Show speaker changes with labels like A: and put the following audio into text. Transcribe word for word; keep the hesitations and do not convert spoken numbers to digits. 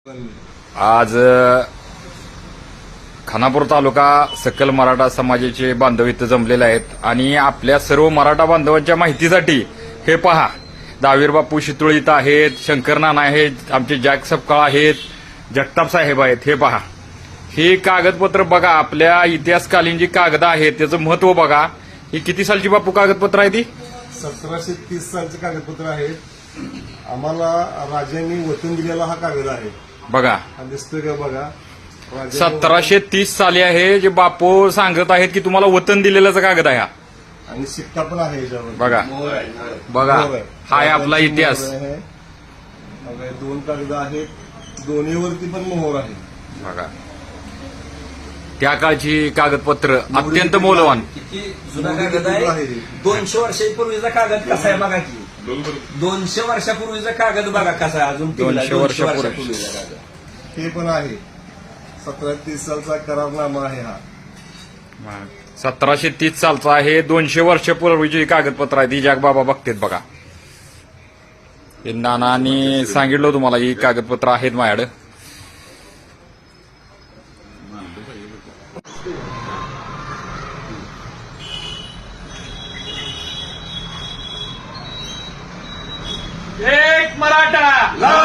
A: आज खानापूर तालुका सकल मराठा समाजाचे बांधव इथं जमलेले आहेत आणि आपल्या सर्व मराठा बांधवांच्या माहितीसाठी हे पहा, दावीर बापू शितुळ इथं आहेत, शंकर नाना आहेत, आमचे जॅक सपकाळ आहेत, जगताप साहेब आहेत. हे पहा, हे कागदपत्र बघा, आपल्या इतिहासकालीन जी कागद आहेत त्याचं महत्व बघा. ही किती सालची बापू कागदपत्र आहे? ती
B: सतराशे तीस सालचे कागदपत्र आहेत. आम्हाला राजांनी वतन दिलेला हा कागद आहे.
A: बघा,
B: हा दिसतोय का बघा. राजांनी
A: सतराशे तीस साली आहे, जे बापू सांगत आहेत की तुम्हाला वतन दिलेलाचा कागद आहे हा.
B: आणि शिक्का पण आहे याच्यावर.
A: बघा बघा, हा आहे आपला इतिहास.
B: मोहर आहे. बघा, दोन कागद आहेत, दोन्हीवरती पण मोहर आहे.
A: बघा, त्या काळची कागदपत्र अत्यंत मौल्यवान.
C: किती जुना कागद आहे. दोनशे वर्षापूर्वीचा कागद कसा आहे बघा की. दोनशे वर्षापूर्वीचा कागद बघा कसा आहे. अजून टिकला.
A: दोनशे
C: वर्षापूर्वीचा कागद.
B: हे पण आहे. सतरा तीस सालचा करारनामा आहे हा.
A: सतराशे तीस सालचा आहे. दोनशे वर्षापूर्वीची कागदपत्र आहे. ती जगबाबा बघतेत बघा. हे नानांनी सांगितलं तुम्हाला, ही कागदपत्र आहेत माझ्याकडे.
D: एक मराठा